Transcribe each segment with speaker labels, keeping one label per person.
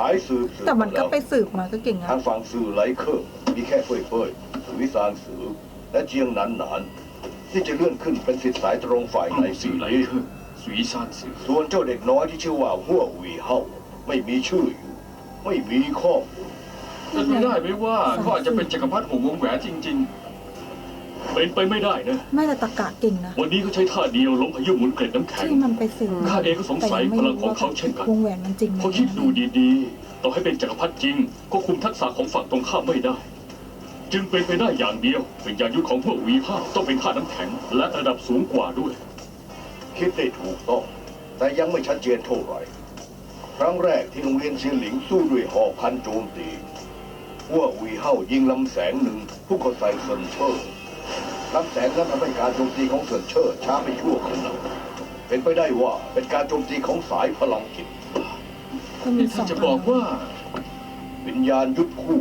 Speaker 1: ายสืบ
Speaker 2: แต่มันก็ไปสืบมาก็เก่งนะ
Speaker 1: ทางฝั่งสื่อไหลเคอร์มีแค่เฟ่ยสุวิสานสือและเจียงหนานที่จะเลื่อนขึ้นเป็นสิทธิสายตรงฝ่ายใน
Speaker 3: สื่อไหลเคอร์สุวิสานสือ
Speaker 1: ส่วนเจ้าเด็กน้อยที่ชื่อว่าหัวหวีเฮาไม่มีชื่ออยู่ไม่มีข้อมูล
Speaker 3: จะดูได้ไหมว่าเขาอาจจะเป็นจักรพรรดิของวงแหวนจริงๆเป็นไปไม่ได้นะ
Speaker 2: ไม่แต่ตะกะเก่งนะ
Speaker 3: วันนี้เขาใช้ท่าเดียวล้มพายุหมุนเกล็ดน้ำแข็ง
Speaker 2: ที่มันไปสืบ
Speaker 3: ข้าเองก็สงสัยพลังของเขาเช่นกัน
Speaker 2: วงแหวนมันจริง
Speaker 3: พอคิดดูดีๆต่อให้เป็นจักรพรรดิจริงก็คุมทักษะของฝั่งตรงข้ามไม่ได้จึงเป็นไปได้อย่างเดียวเป็นยานยุทธของพวกวีห้าต้องเป็นธาตุน้ำแข็งและระดับสูงกว่าด้วย
Speaker 1: คิดได้ถูกต้องแต่ยังไม่ชัดเจนเท่าไหร่ครั้งแรกที่โรงเรียนเซียนหลิงสู้ด้วยหอกพันโจมตีพวกวีเฮายิงลำแสงหนึ่งผู้ก็ใส่เซินเชอร์ลำแสงนั้นทำให้การโจมตีของเซินเชอร์ช้าไปชั่วขณะเป็นไปได้ว่าเป็นการโจมตีของสายพลังจิต
Speaker 3: นี่ท่านจะบอกว่า
Speaker 1: วิญญาณยุทธคู่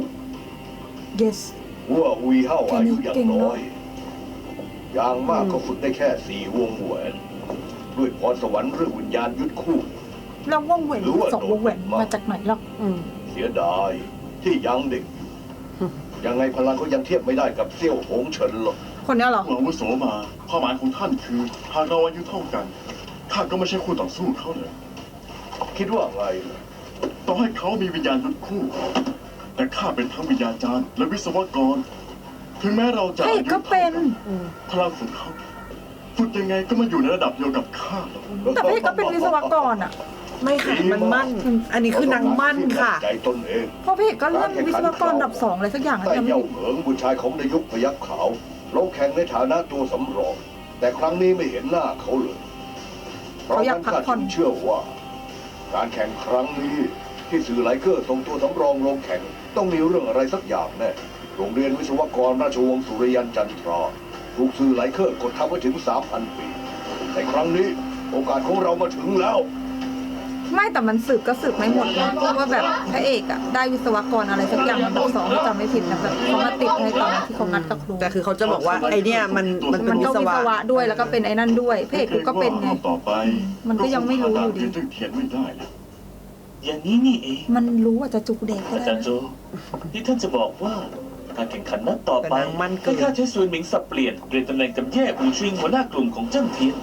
Speaker 2: yes
Speaker 1: พวกวีเฮาอายุอย่างน้อยอย่างมากก็ฝึกได้แค่4 วงแหวนด้วยพรสวรรค์เรื่องวิญญาณยุทธคู่
Speaker 2: แล้ววงแหวน2 วงแหวนมาจากไหนล่ะ
Speaker 1: เสียดายที่ยังเด็กยังไงพลังก็ยังเทียบไม่ได้กับเซี่ยวหงเฉินหรอก
Speaker 2: คนนี้เหรอ
Speaker 4: อาวุโสมาความหมายของท่านคือหากเราอายุเท่ากันข้าก็ไม่ใช่คู่ต่อสู้เขาเลย
Speaker 1: คิดว่าไง
Speaker 4: ต้องให้เขามีวิญญาณยุทธคู่แต่ข้าเป็นทั้งวิญญาจารย์และวิศวกรถึงแม้เราจะอายุเท่ากันพลังของเขาฝึกยังไงก็มาอยู่ในระดับเดียวกับข้า
Speaker 2: แต่พี่ก็เป็นวิศวกรอ่ะ
Speaker 5: ไม่ค่ะมันมั่นอันนี้คือนางมั่นค่ะ
Speaker 1: ใจตนเอง
Speaker 2: เพราะพี่ก็เรื่องวิศวกรระดับ2อะไรสักอย่าง
Speaker 1: แต่เย่าเหิงบุตรชายของนายกพยัคฆ์ขาวลงแข่งในฐานะตัวสำรองแต่ครั้งนี้ไม่เห็นหน้าเขาเลยเพราะนั้นข้าเชื่อว่าการแข่งครั้งนี้ที่สื่อไลเคอร์ส่งตัวสำรองลงแข่งต้องมีเรื่องอะไรสักอย่างแน่โรงเรียนวิศวกรราชวงศ์สุริยันจันทราถูกสื่อไลเคอร์กดทับไว้ถึง 3,000 ปีแต่ครั้งนี้โอกาสของเรามาถึงแล้ว
Speaker 2: ไม่แต่มันสืบก็สืบไม่หมดนะเพราะว่าแบบพระเอกอะได้วิศวกรอะไรสักอย่างแบบ2จำไม่ผิดนะแบบเขามาติดในตอนที่เขานัดกับครู
Speaker 5: แต่คือเขาจะบอกว่าไอเนี้ยมันเป็นวิศวะ
Speaker 2: ด้วยแล้วก็เป็นไอ้นั่นด้วยพระเอกก็เป็นไง
Speaker 4: ต่อไป
Speaker 2: มันก็ยังไม่รู้อยู่ดี
Speaker 4: เทียนไม่ได้แล้ว
Speaker 6: อย่างนี้นี่เอง
Speaker 2: มันรู้ว่าจะจุกเด็กก็ได้
Speaker 6: อาจารย์โจที่ท่านจะบอกว่าการแข่งขันนัดต่อไปก็ข้าใช้ซุนหมิงสับเปลี่ยนตำแหน่งกับแย่อูชิงหัวหน้ากลุ่มของเจิ้งเทียน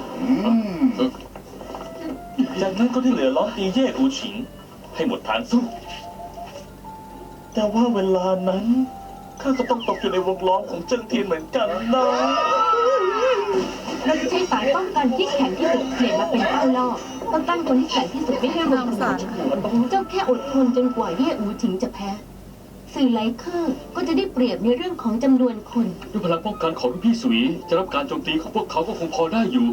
Speaker 6: จากนั้นก็ที่เหลือล้อมตีเย่อูฉิงให้หมดฐานสู้แต่ว่าเวลานั้นข้าก็ต้องตกอยู่ในวงล้อมของเจิ้งเทียนเหมือนกันนะ
Speaker 7: เราจะใช้สายป้องกันที่แข็งที่สุดเปลี่ยนมาเป็นเป้าล่อต้องตั้งคนที่แข็งที่สุดไม่ให้รวมเจ้าแค่อดทนจนกว่าเย่อูฉิงจะแพ้สื่อไลเคอร์ก็จะได้เปรียบในเรื่องของจำนวนคน
Speaker 3: ด้วยพลังป้องกันของพี่สุยจะรับการโจมตีของพวกเขาก็คงพอได้อยู่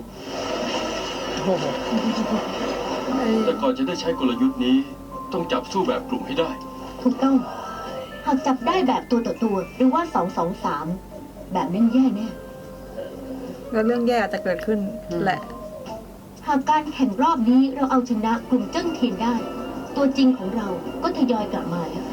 Speaker 3: แต่ก่อนจะได้ใช้กลยุทธ์นี้ต้องจับสู้แบบกลุ่มให้ได้
Speaker 7: ถูกต้องหากจับได้แบบตัวต่อตัวหรือว่า2-2-3แบบนั้นแย่แน่
Speaker 2: แล้วเรื่องแย่จะเกิดขึ้นแหละ
Speaker 7: หากการแข่งรอบนี้เราเอาชนะกลุ่มเจิ้งเทียนได้ตัวจริงของเราก็ทยอยกลับมาแล้ว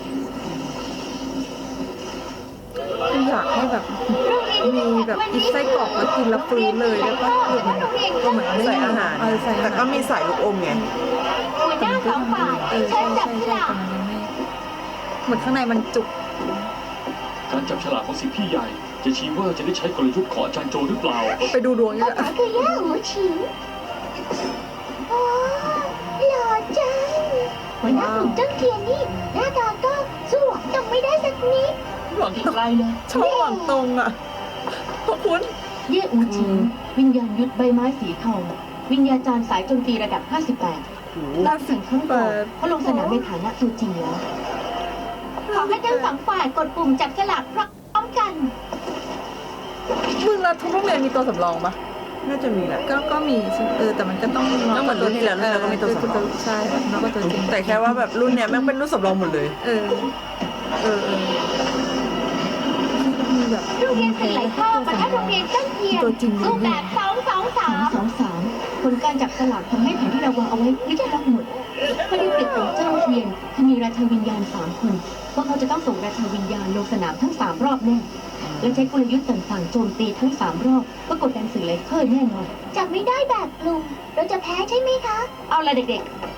Speaker 2: อยากให้แบบมีแบบกินไส้กรอกแล้วกินแล้วฟื้นเลยแล้วก็ก็เหมือน
Speaker 5: ใส่อาหารแต่ก็มีใส่ลูกอมไง
Speaker 7: หัวหน้าสองฝ่ายเชิญจับฉลาก
Speaker 2: เหมือนข้างในมันจุก
Speaker 3: การจับฉลากของสิทธิพี่ใหญ่จะชี้ว่าจะได้ใช้กลยุทธ์ของอาจารย์โจหรือเปล่า
Speaker 2: ไปดูดวงนี่แหละ
Speaker 7: คือแย่หูฉิงโอ้หล่อจังหัวหน้ากลุ่มเจิ้งเทียนนี่หน้าตาก็สู้หวังตรงไม่ได้สักนิด
Speaker 6: หวังอีกไรเลย
Speaker 2: ชอบหวังตรงอ่ะพวกคุณ
Speaker 7: เย่อูฉิงวิญญาณยุทธใบไม้สีทองวิญญาจารย์สายโจมตีระดับ58ล่าสุดขั้นก่อนเขาลงสนามในฐานะตัวจริงแล้วขอให้ทั้งสองฝ่ายกดปุ่มจับฉลากพร้อมกัน
Speaker 2: มึงแล้วทุกโรงเรียนมีตัวสำรองปะ
Speaker 5: น่าจะมีแหละ
Speaker 2: ก็มีแต่มันก็ต้อง
Speaker 5: เหมือนรุ่นที่แล้วเราก็มีตัวสำรอง
Speaker 2: ใช่แล้วก็ตัวจริง
Speaker 5: แต่แค่ว่าแบบรุ่นเนี้ยแม่งเป็นรุ่นสำรองหมดเลย
Speaker 7: โรงเรียนสื่อไหลเข้าปะทะโรงเรียนเจิ้งเทียนรูปแบบ2-2-3ผลการจับสลากทำให้แผนที่เราวางเอาไว้ไม่ได้รับหมดข้อได้เปรียบของเจิ้งเทียนคือมีราชาวิญญาณ3 คนพวกเขาจะต้องส่งราชาวิญญาณลงสนามทั้ง3 รอบแน่และใช้กลยุทธ์ต่างๆโจมตีทั้ง3 รอบก็กดดันสื่อไลเคอร์แน่นอนจับไม่ได้แบบกลุ่มเราจะแพ้ใช่ไหมคะเอาละเด็กๆ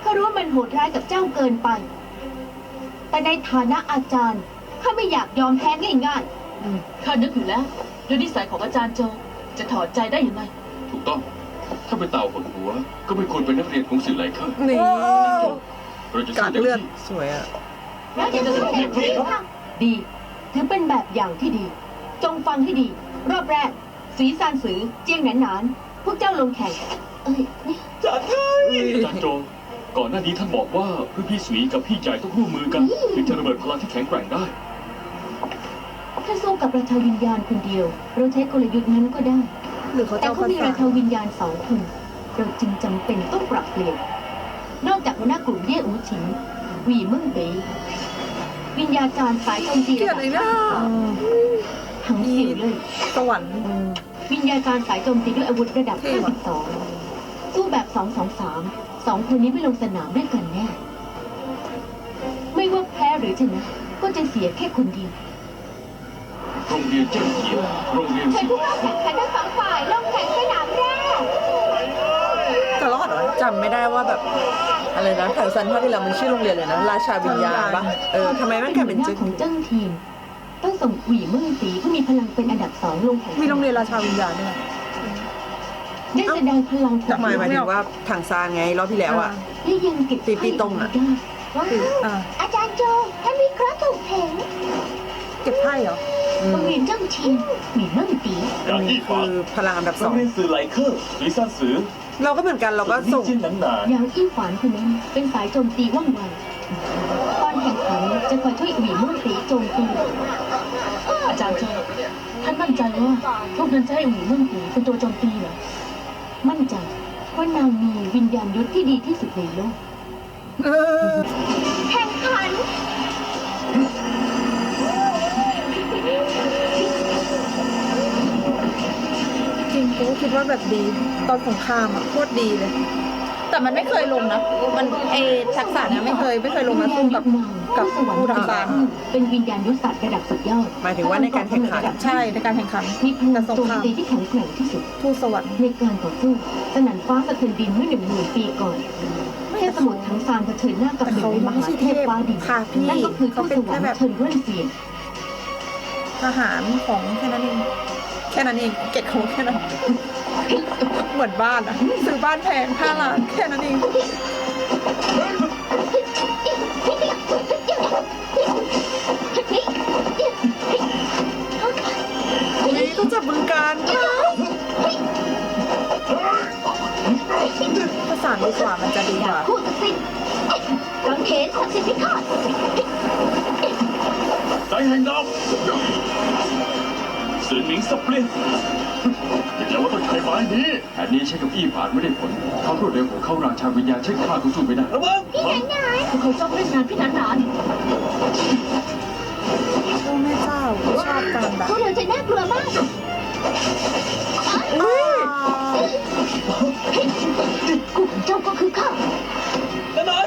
Speaker 7: ข้ารู้ว่ามันโหดร้ายกับเจ้าเกินไป แต่ในฐานะอาจารย์ข้าไม่อยากยอมแพ้ง่าย
Speaker 8: ข้านึกอยู่แล้วด้วยนิสัยของอาจารย์โจจะถอดใจได้ยังไง
Speaker 3: ถูกต้อง ถ้าเป็นเต่าหดหัว ก็ไม่ควรเป็นนักเรียนของสื่อไหลเคอร์
Speaker 5: นี่
Speaker 3: เราจะ
Speaker 5: กา
Speaker 3: สู้
Speaker 5: ด
Speaker 3: เต็ม
Speaker 5: เลือด
Speaker 3: ที่
Speaker 5: สวยอ่ะ
Speaker 7: ๆแล้วจะสู้เต็มที่ค่ะดีถือเป็นแบบอย่างที่ดี จงฟังให้ดี รอบแรกสีซานสือเจียงหนานหนานพวกเจ้าลงแข่งเนี่ย
Speaker 3: อาจารย์โจ ก่อนหน้านี้ท่านบอกว่าพี่สวีกับพี่ใหญ่ต้องร่วมมือกันถึงจะระเบิดพลังที่แข็งแกร่งได้
Speaker 7: ถ้าสู้กับราชาวิญญาณคนเดียว เราใช้กลยุทธ์นั้นก็ได้
Speaker 2: หรือเขา
Speaker 7: แต่
Speaker 2: จะเอา
Speaker 7: เขา
Speaker 2: ภา
Speaker 7: มี
Speaker 2: ษา
Speaker 7: ราชาวิญญาณ2 คน เราจึงจำเป็นต้องปรับเปลี่ยน นอกจากหัวหน้ากลุ่มเย่อูฉิงหวีเมิ่งเบยวิญญาจารย์สายโจมตี
Speaker 2: เกลีย
Speaker 7: ระ
Speaker 2: ด
Speaker 7: ดับ
Speaker 2: ไอ้เนี่ย
Speaker 7: หังเสี่ยวเลย
Speaker 2: สวรรค์
Speaker 7: วิญญาจารย์สายโจมตีด้วยอาวุธระดับ 52 สู้แบบ 2-2-3 2 คนนี้ไม่ลงสนามด้วยกันแน่ ไม่ว่าแพ้หรือชนะ ก็จะเสียแค่คนเดียว
Speaker 3: โรงเรียนเจ้าเกียวโรงเรียน
Speaker 7: เชิญ
Speaker 3: สิ
Speaker 7: ผู้เข้าแข่งขันทั้งสองฝ่ายลงแข่งสนามแรก
Speaker 2: จะรอดเหรอ
Speaker 5: จำไม่ได้ว่าแบบอะไรนะถังซันภาคที่แล้วมันชื่อโรงเรียนเลยนะ ราชาวิญญาณปะทำไมมันกลายเป็น
Speaker 7: หัวห
Speaker 5: จึ๊
Speaker 7: น้าก ของเจ้าทีม ต้องส่งหวีเมื่อสีผู้มีพลังเป็นอันดับ 2 ลงแข่ง
Speaker 2: มีโรงเรียนราชาวิญญาณด้วยนะ
Speaker 7: ได้แสดงพลังของ
Speaker 5: หมายถึงว่าถังซานไงรอบที่แล้วอ่ะ
Speaker 7: และยังเก็บ
Speaker 5: ปีตรงอะ
Speaker 7: ได้ว้าว
Speaker 2: อ่า
Speaker 7: อาจารย์โจท่านวิเคราะห์ถูกเห็น
Speaker 2: เก็บไพ่เหรอ
Speaker 7: โรงเรียนเจ้าทีมหวีเมื่อสี
Speaker 6: อย่าง
Speaker 5: นี่
Speaker 6: อี้
Speaker 5: คื
Speaker 6: ฝา
Speaker 5: อพลังอันดับ
Speaker 6: โร
Speaker 5: 2
Speaker 6: งเรียนสื่อไหลเคอร์หรือซ่านสือ
Speaker 5: เราก็เหมือนกันเราก็ส่ง
Speaker 6: จิ้นหนังหนา
Speaker 7: อย่างอี้ฝานคนนั้นเป็นสายโจมตีว่องไว ตอนแข่งขันจะคอยช่วยหวีเมื่อสีโจมตี
Speaker 8: อาจารย์โจท่านมั่นใจว่าพวกนั้นจะให้หวีเมืองผีเป็นตัวโจมตีเหรอ
Speaker 7: มั่นใจว่านางมีวิญญาณยุทธที่ดีที่สุดในโลก แข่งขัน
Speaker 2: จริงกูก็คิดว่าแบบดีตอนสงครามอ่ะโคตรดีเลย แต่มันไม่เคยลงนะ มันทักษะเนี้ยไม่เคยลงมาสู้กับผู้ทำซาน
Speaker 7: เป็นวิญญาณยุทธศาสตร์ระดับสุดยอด
Speaker 5: หมายถึงว่าในการแข่งขัน
Speaker 2: ใช่ในการแข่งขัน
Speaker 7: มีพลั
Speaker 2: แต่
Speaker 7: ง
Speaker 2: สง
Speaker 7: โจม
Speaker 2: คราม
Speaker 7: ตีที่แข็งแกร่งที่สุด
Speaker 2: ทูตสวรรค์
Speaker 7: ในการต่อสู้สนั่นฟ้าสะเทือนดินเมื่อ10,000 ปีก่อนเทพสมุทรทั้งซานเผชิญหน้ากับหนึ่งในมหาเทพฟ้าดิน
Speaker 2: ค่ะพี่
Speaker 7: นั่นก็คือทู
Speaker 2: เขา
Speaker 7: ต
Speaker 2: เป็
Speaker 7: ส
Speaker 2: น
Speaker 7: วร
Speaker 2: แค่
Speaker 7: ร
Speaker 2: แบบ
Speaker 7: ค์เฉินเว่นเซียน
Speaker 2: ทหารของแค่นั้นเองแค่นั้นเองเก็ตของแค่นั้น เหมือนบ้านอ่ะซื้อบ้านแพง5 ล้านแค่นั้นเอง
Speaker 5: นี่ต้องจับมือกัน
Speaker 2: ภาษาดีกว่ามันจะดีกว่า
Speaker 7: คู่ศักดิ์สิทธิ์กังเขนศักดิ์สิทธิ์พิฆาต
Speaker 6: ใจแห่งดาวสื่อหนิงสับเปลี่ยน
Speaker 4: อย่าว่าต้องใช้ไม้นี้
Speaker 3: แผนนี้ใช้กับอี้ฝานไม่ได้ผลความรวดเร็วของเขาราชาวิญญาณใช้ข้าก็สู้ไม่ได้
Speaker 6: ระวัง
Speaker 8: พวกเขาจ้องเล่นงานพี่หนานหนาน
Speaker 2: โอ้แม่เจ้าชอบการแบบ
Speaker 7: พวกเราจะน่ากลัวมาก คู่ของเจ้าก็คือข้า
Speaker 6: นั่นนาย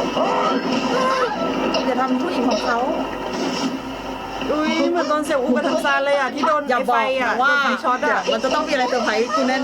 Speaker 2: อย่าทำผู้หญิงของเขา
Speaker 5: อุ้ยเหมือนตอนเสี่ยวอูกับถังซานเลยอ่ะที่โดน
Speaker 2: อย่าบ
Speaker 5: ไฟ
Speaker 2: อก
Speaker 5: อ่ะ
Speaker 2: นะว่า
Speaker 5: โดนไฟช็อตอ่ะ
Speaker 2: มันจะต้องมีอะไรเซอร์ไพรส์กูแน่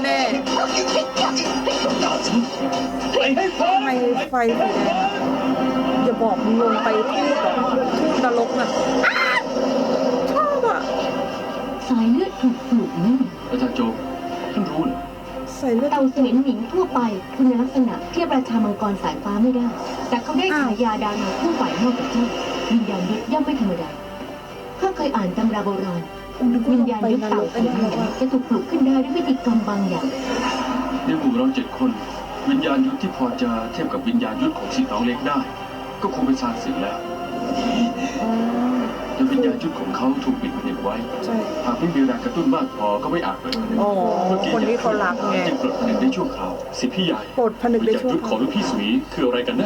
Speaker 6: ไปให้พ้
Speaker 2: ๆทำไมไฟสีแดงอะอย่าบอกมึงลงไปทูตเหรอทูตนรกน่ะชอบอ่ะ
Speaker 7: สายเลือดถูกปลุกนิ่ง
Speaker 3: อาจารย์โจท่านรู้เหรอ
Speaker 2: ใส่เลือด
Speaker 7: เต่าเสวียนหมิงทั่วไปคุณลักษณะเทียบราชามังกรสายฟ้าไม่ได้ แต่เขาได้ฉายาดาราคู่ฝ่ายนอกกับเจ้าวิญญาณยุทธย่อมไม่ธรรมดาข้าเคยอ่านตำราโบราณ
Speaker 2: กูนึกว่า
Speaker 7: วิ
Speaker 2: ล
Speaker 7: ญ
Speaker 2: ง
Speaker 7: ญาณ
Speaker 2: ไป
Speaker 7: ยุทธ
Speaker 2: นร
Speaker 7: เต่าก
Speaker 2: ไอ้
Speaker 7: เสวี
Speaker 2: นี่
Speaker 7: ยนหมิ
Speaker 2: ว่าง
Speaker 7: จะถูกปลุกขึ้นได้ด้วยวิธีกรรมบางอย่าง
Speaker 3: ในหมู่เรา7 คน วิญญาณยุทธที่พอจะเทียบกับวิญญาณยุทธของสิทธิ์น้องเล็กได้ ก็คงเป็นซานสึกแล้ว
Speaker 2: อ๋อ
Speaker 3: แต่วิญญาณยุทธของเขาถูกปิดผนึกไว้
Speaker 2: ใช่
Speaker 3: หากไม่มีแรงกระตุ้นมากพอก็ไม่อาจเปิดผนึก
Speaker 5: อ๋อ
Speaker 3: เมื่อกี้
Speaker 5: คนที่เขารักไง
Speaker 3: จึงเปิดผนึกได้ชั่วคราวสิทธิพี่ใหญ่
Speaker 2: ปลดผนึก
Speaker 3: วิญ
Speaker 2: ได้
Speaker 3: ญาณ
Speaker 2: ชั่ว
Speaker 3: ยุทธ
Speaker 2: ค
Speaker 3: ของ
Speaker 2: ราว
Speaker 3: ลูกพี่สวีคืออะไรกันแน่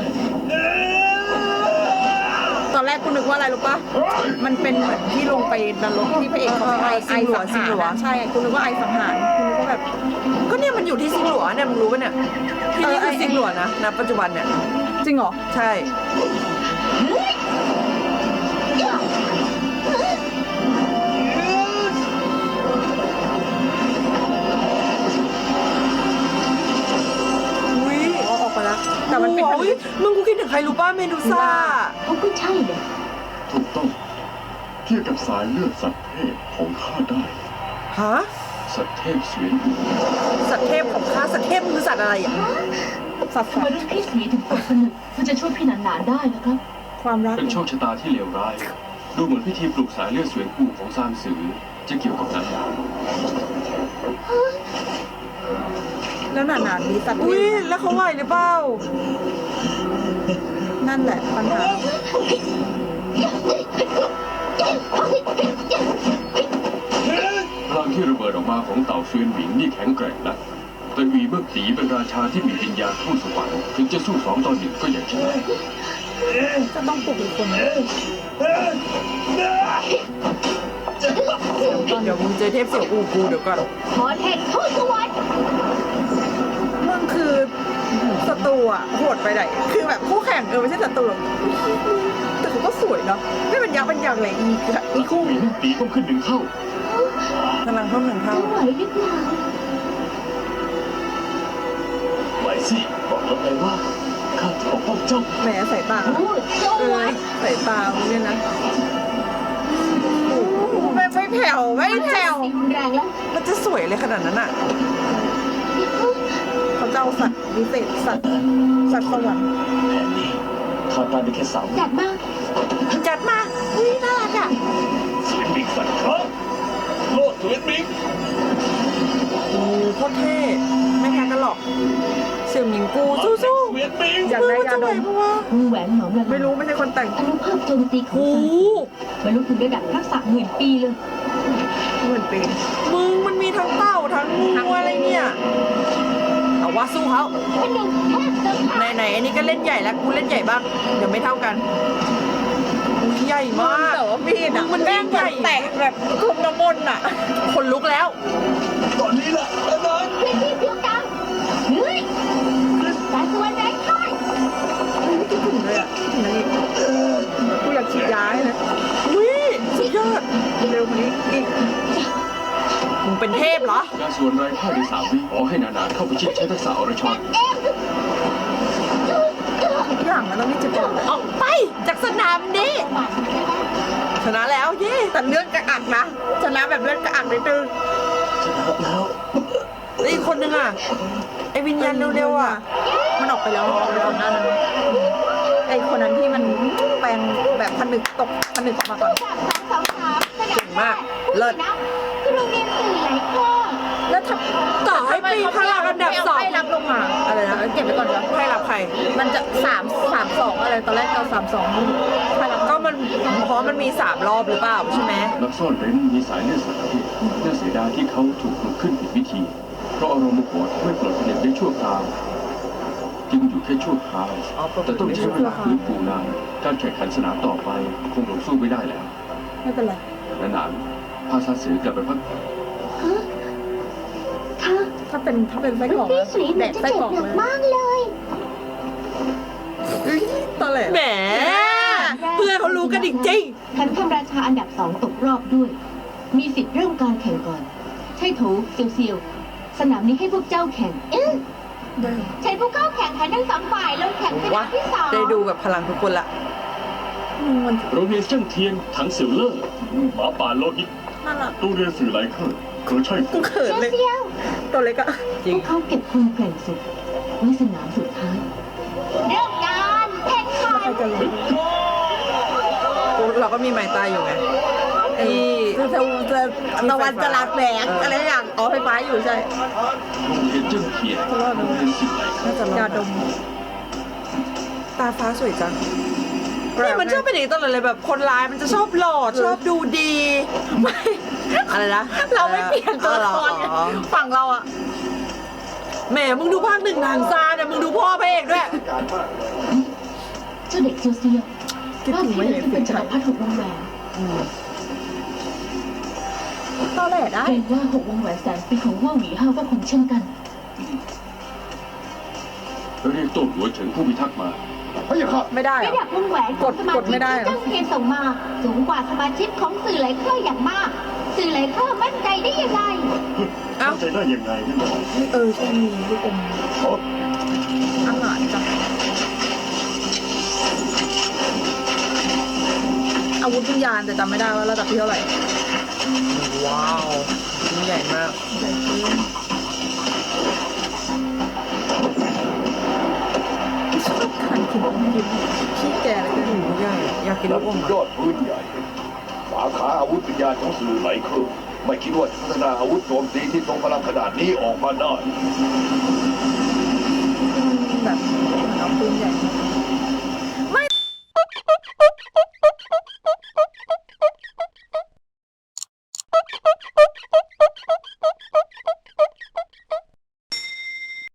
Speaker 2: ตอนแรกกูนึกว่าอะไรรู้ปะมันเป็นเหมือนที่ลงไปนรกที่พระเอกเขาไปไอสังหารนะใช่กูนึกว่าไอสังหารกูนึกว่าแบบ
Speaker 5: ก็เนี่ยมันอยู่ที่ซิงหลัวเนี่ยมึงรู้ปะเนี่ยที่นี่คือซิงหลัวนะณปัจจุบันเนี่ย
Speaker 2: จริงเหรอ
Speaker 5: ใช่ อุ้ย
Speaker 2: อ๋อออกไปแล้วแต่มันเป็นผ
Speaker 5: โอ้
Speaker 2: นึ
Speaker 5: ย
Speaker 2: ก
Speaker 5: มึรรู้ป่ะเมดูซ่า
Speaker 7: เขาก็ใช่เลย
Speaker 4: ถูกต้องเทียบกับสายเลือดสัตว์เทพของข้าได้
Speaker 5: ฮะ
Speaker 4: สัตว์เทพเสวียนหู
Speaker 5: สัตว์เทพของข้าสัตว์เทพมันคือสัตว์อะไรอ่ะ
Speaker 2: สัตว์
Speaker 8: ทำไมรุ่นพี่สีถึงกดผนึกเพื่อจะช่วยพี่หนานๆได้นะครับ
Speaker 2: ความรัก
Speaker 3: เป็นโชคชะตาที่เลวร้าย ดูเหมือนพิธีปลูกสายเลือดเสวียนหูของซานสือจะเกี่ยวกับนั้น
Speaker 2: แล้วหนาๆมีสัตว์
Speaker 5: อุ้ยแล้วเขาไหวหรือเปล่า
Speaker 2: นั่นแหละปัญหา
Speaker 3: พลังที่ระเบิดออกมาของเต่าเซียนหวิงนี่แข็งแกร่งนะแต่หวีเมื่อตีเป็นราชาที่มีวิญญาณผู้สวรรค์ถึงจะสู้2 ต่อ 1ก็ยังชนะ
Speaker 2: จะต้องปลุกอีกคน
Speaker 5: เดี๋ยวมึงเจอเทพเสี่ยวอูกูเดี๋ยวก่อน
Speaker 7: ขอเห็นทูตสวรรค์
Speaker 2: มึงคือศัตรูอ่ะโหดไปไหนคือแบบคู่แข่งไม่ใช่ศัตรูหรอกแต่เขาก็สวยเนาะไม่เป็นยักษ์เป็นยักษ์เลยอีคู่
Speaker 3: หวีเมื่อตีต้องขึ้น1 เท่า
Speaker 5: พลังเพิ่ม1 เท่า
Speaker 7: จะไหวหรือเปล่า
Speaker 6: ไหวสิบอกแล้วไงว่าข้าจะปกป้องเจ้า
Speaker 2: แหมสายตา
Speaker 7: ทูตสวรรค์
Speaker 2: สายตามึงเนี่ยนะไม่แผ่วไม่แผ่ว
Speaker 7: สีรุนแรงแล้ว
Speaker 5: มันจะสวยเลยขนาดนั้นอ่ะ
Speaker 2: เขาจะเอาสัตว์วิเศษสัตว์สวรรค์
Speaker 6: แผนนี้ข้าต้านได้แค่3
Speaker 7: จัดมา
Speaker 5: จัดมาอุ้ยน่ารักอ่ะ
Speaker 6: เสวียนหมิงฝันครับโลดเสวียนหมิง
Speaker 5: โอ้โคตรเท่ไม่แพ้กันหรอกเสี่ยวหมิงกูสู้
Speaker 6: เสวียนหมิง
Speaker 2: อยาก
Speaker 5: ๆ
Speaker 2: ได้
Speaker 5: มัน
Speaker 2: ยา
Speaker 5: จะไห
Speaker 2: ด
Speaker 5: ว
Speaker 2: ม
Speaker 5: ปะวะ
Speaker 7: วงแหวนหนอมละลาย
Speaker 2: ไม่รู้ไม่ใช่คนแต่ง
Speaker 7: อนุภาพโจมตีของ
Speaker 5: โอ้
Speaker 7: ซานบรรลุถึงระดับทักษะ10,000 ปีเลย
Speaker 2: เหมือนเป็น
Speaker 5: มึงมันมีทั้งเต่าทั้งงูอะไรเนี่ยเอาว่าสู้เขา
Speaker 7: ผนึกแทบจะขาด
Speaker 5: ไหนๆอันนี้ก็เล่นใหญ่แล้วกูเล่นใหญ่บ้างเดี๋ยวไม่เท่ากันอุ้ยใหญ่มาก
Speaker 2: แต่ว่ามีดอ่ะ
Speaker 5: มัน
Speaker 2: แม่ง
Speaker 5: ใหญ่
Speaker 2: แตกแบบคุมน้ำมนต์อ่ะ
Speaker 5: คนลุกแล้ว
Speaker 6: ตอนนี้แหละแล้วนั้น
Speaker 7: พื้นที่เพียงกลางเฮ้ยสายสวรรค์แรงค่าย
Speaker 2: คิดถึงเลยอ่ะคิดถึงนี่กูอยากฉีดยาให้เลย
Speaker 5: อุ้ยสุดยอด
Speaker 2: เร็วกว่านี้อีก
Speaker 5: มึงเป็นเทพเหรอ
Speaker 3: การส่วนไร้ค่าใน3 วิขอให้นาๆเข้าไปชิดใช้ทักษะอรชร
Speaker 2: ทุกอย่างมันต้องมีจุดอ่อน
Speaker 5: ออกไปจากสนามนี้ ชนะแล้วเย่
Speaker 2: แต่เลือดกระอักนะชนะแบบเลือดกระอักนิดนึง
Speaker 6: ชนะแล้ว
Speaker 5: แล้วอีกคนนึงอ่ะไอวิญญาณเร็วๆอ่ะ
Speaker 2: มันออกไปแล้วก่อนหน้านั้นไอคนนั้นที่มันแปลงแบบผนึกตกผนึกออกมาก่อน
Speaker 7: จาก223
Speaker 5: เก่งมากเลิศ
Speaker 7: นะคือโรงเรียนสื่อหลายข้อ
Speaker 2: แล้วถ้า
Speaker 5: ต่อให้ปีพลังอันดับ
Speaker 2: ไม่
Speaker 5: สอง
Speaker 2: ให้รับลงมาอะไรนะเก็บไว้ก่อนเดี๋ยว
Speaker 5: ให้รับใคร
Speaker 2: มันจะ3-2อะไรตอนแรกเรา3-2ให้รับ
Speaker 5: ก็มันเพราะมันมี3 รอบหรือเปล่าใช่ไหม
Speaker 3: นักซ่อนเร้นมีสายเลือดสัตว์ประเภทน่าเสียดายที่เขาถูกปลุกขึ้นผิดวิธี เพราะอารมณ์โมโหทำให้ปลดผนึกได้ชั่วคราวจึงอยู่แค่ชั่วคราวแต่ต้องใช้เวลาฟื้นฟูนานการแข่งขันสนามต่อไปคงลงสู้ไม่ได้แล้ว
Speaker 2: ไม่เป็นไร
Speaker 3: นานๆพาซาสือกลับไปพัก
Speaker 7: ค่ะ
Speaker 2: ถ้าเป็นไส้กรอก
Speaker 7: พี่
Speaker 2: นะ
Speaker 7: สุยเห
Speaker 2: แด
Speaker 7: มือน
Speaker 2: ก
Speaker 7: จะ
Speaker 2: ไส้
Speaker 7: เจ็
Speaker 2: กร
Speaker 7: บอก หนั
Speaker 2: เล
Speaker 7: ก
Speaker 2: ย
Speaker 7: มากเลย
Speaker 2: ตอนแรก
Speaker 5: แหมเพื่อนเขารู้กันจริง
Speaker 7: ขันคำราชาอันดับ 2 ตกรอบด้วย มีสิทธิ์เริ่มการแข่งก่อน ใช่โถเซียวเซียวสนามนี้ให้พวกเจ้าแข่ง ใช้ผู้เข้าแข่งขันทั้งสองฝ่ายลงแข่งส
Speaker 5: ๆ
Speaker 7: นา
Speaker 5: ว่าม
Speaker 7: ที่สอง
Speaker 5: ได้ดูแบบพลังทุกคนละ
Speaker 2: มัน
Speaker 3: โรงเรียนเจิ้งเทียนถังเสี่ยวเล่อหมาป่าโลหิต
Speaker 2: น่ารัก
Speaker 4: โรงเรียนสื่อหลายเครือเขาใช่
Speaker 2: กูเขิน
Speaker 7: เซียว
Speaker 2: เลย
Speaker 7: เซียว
Speaker 2: ตัวเล็กอะ
Speaker 5: จริ
Speaker 7: พ
Speaker 5: ง
Speaker 7: วกเขาเก็บคนแกร่งสุดไว้สนามสุดท้าย เริ่มการแข่งขั
Speaker 2: ใคร
Speaker 7: น
Speaker 2: จะรู้
Speaker 5: เราก็มีไม้ตายอยู่ไงไอ้
Speaker 2: จะตะวันจะลาแสงอะไรอย่างอ๋อไฟฟ้าอยู่ใช่
Speaker 3: โรงเรียนเจิ้งเทียนโรงเรียนสิ่งไหล
Speaker 5: น่าจะรอด
Speaker 2: ยาดม
Speaker 5: ตาฟ้าสวยจังนี่มันชอบเป็นอย่างนี้ตลอดเลยแบบคนร้ายมันจะชอบหล่อชอบดูดีไม่อะไรนะ
Speaker 2: เราไม่เปลี่ยนตัวละครไง
Speaker 5: อ๋อ
Speaker 2: ฝั่งเราอะ
Speaker 5: แหมมึงดูภาค 1ทางซาเนี่ยมึงดูพ่อพระเอกด้วย
Speaker 7: เจ้าเด็กเซียวเซียว
Speaker 2: คิด
Speaker 7: ว่า
Speaker 2: ถึง
Speaker 7: ที่
Speaker 2: ไม่
Speaker 7: เหลื
Speaker 2: เห็
Speaker 7: อน จะเป็น
Speaker 2: สิ
Speaker 7: จักรพรรดิ6 วงแหวน
Speaker 2: ตอนแรกได้
Speaker 8: เกรงว่า6 วงแหวนแสนปีของว่าหวีห้าก็คงเช่นกัน
Speaker 3: เรียกโต้หัวเฉิงผู้พิทักษ์มา
Speaker 1: พะยะค่ะ
Speaker 2: ไม่ได้
Speaker 7: ระ
Speaker 2: อะ
Speaker 7: ดับวงแหวนของสมาก
Speaker 2: ด
Speaker 7: ชิ
Speaker 2: ไม่
Speaker 7: ก
Speaker 2: ได้
Speaker 7: ที่
Speaker 2: เหรอ
Speaker 7: เจ้าเทียนส่งมา สูงกว่าสมาชิกของสื่อหลายเครืออย่างมาก สื่อหลายเครือมั่นใจได้ยังไง
Speaker 5: เอ้า
Speaker 4: เข้าใจได้ยังไงนั่นหรอ
Speaker 2: ใช่มีลูกอมอาหารจ้ะอาวุธวิญญาณแต่จำไม่ได้ว่าระดับที่เท่าไหร่
Speaker 5: ว้าวยิ่งใหญ่มาก
Speaker 2: ใหญ่ขึ้นชอบการกินอมยิ้มพี่แก่เลย
Speaker 5: หมูใหญ่อยากกิน
Speaker 1: นั
Speaker 5: ลู
Speaker 1: บ
Speaker 5: กอม
Speaker 1: สุดยอดปืนใหญ่ สาขาอาวุธวิญญาณของสื่อไหลเครื่องไม่คิดว่าจะพัฒนาอาวุธโจมตีที่ทรงพลังขนาดนี้ออกมาได้
Speaker 2: แบบเหมือนเอาปืนใหญ่มา